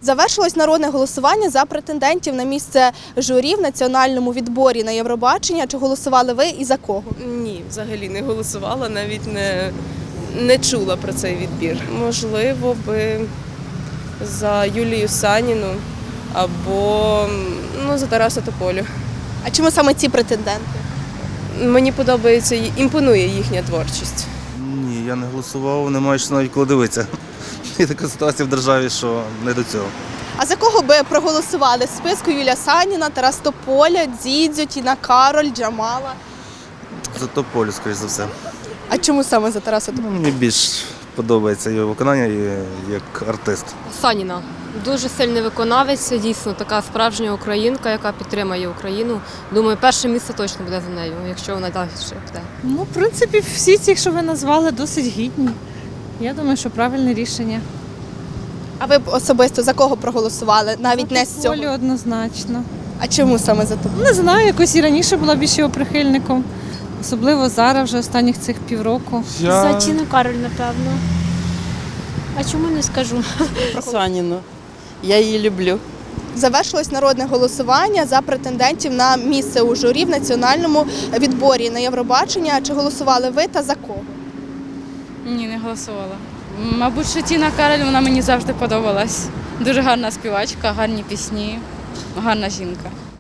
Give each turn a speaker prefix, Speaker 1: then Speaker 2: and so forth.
Speaker 1: Завершилось народне голосування за претендентів на місце журі в національному відборі на Євробачення. Чи голосували ви і за кого?
Speaker 2: Ні, взагалі не голосувала, навіть не чула про цей відбір. Можливо, би за Юлію Саніну або за Тараса Тополю.
Speaker 1: А чому саме ці претенденти?
Speaker 2: Мені подобається, імпонує їхня творчість.
Speaker 3: Ні, я не голосував, не маю що навіть коли дивитися. Є така ситуація в державі, що не до цього.
Speaker 1: А за кого би проголосували? В списку Юлія Саніна, Тарас Тополя, Дзідзьо, Тіна Кароль, Джамала.
Speaker 3: За Тополю, скоріш за все.
Speaker 1: А чому саме за Тараса Тополя?
Speaker 3: Мені більш подобається його виконання як артист.
Speaker 4: Саніна. Дуже сильний виконавець, дійсно така справжня українка, яка підтримує Україну. Думаю, перше місце точно буде за нею, якщо вона далі піде.
Speaker 5: В принципі, всі ці, що ви назвали, досить гідні. Я думаю, що правильне рішення.
Speaker 1: А ви б особисто за кого проголосували? Навіть не з цього.
Speaker 5: Тополю однозначно.
Speaker 1: А чому саме за Тополя?
Speaker 5: Не знаю, якось і раніше була більш його прихильником. Особливо зараз, вже останніх цих півроку.
Speaker 6: За Тіну Кароль, напевно. А чому не скажу?
Speaker 7: Саніну. Я її люблю.
Speaker 1: Завершилось народне голосування за претендентів на місце у журі в національному відборі на Євробачення. Чи голосували ви та за кого?
Speaker 8: Ні, не голосувала. Мабуть, що Тіна Кароль, вона мені завжди подобалась. Дуже гарна співачка, гарні пісні, гарна жінка.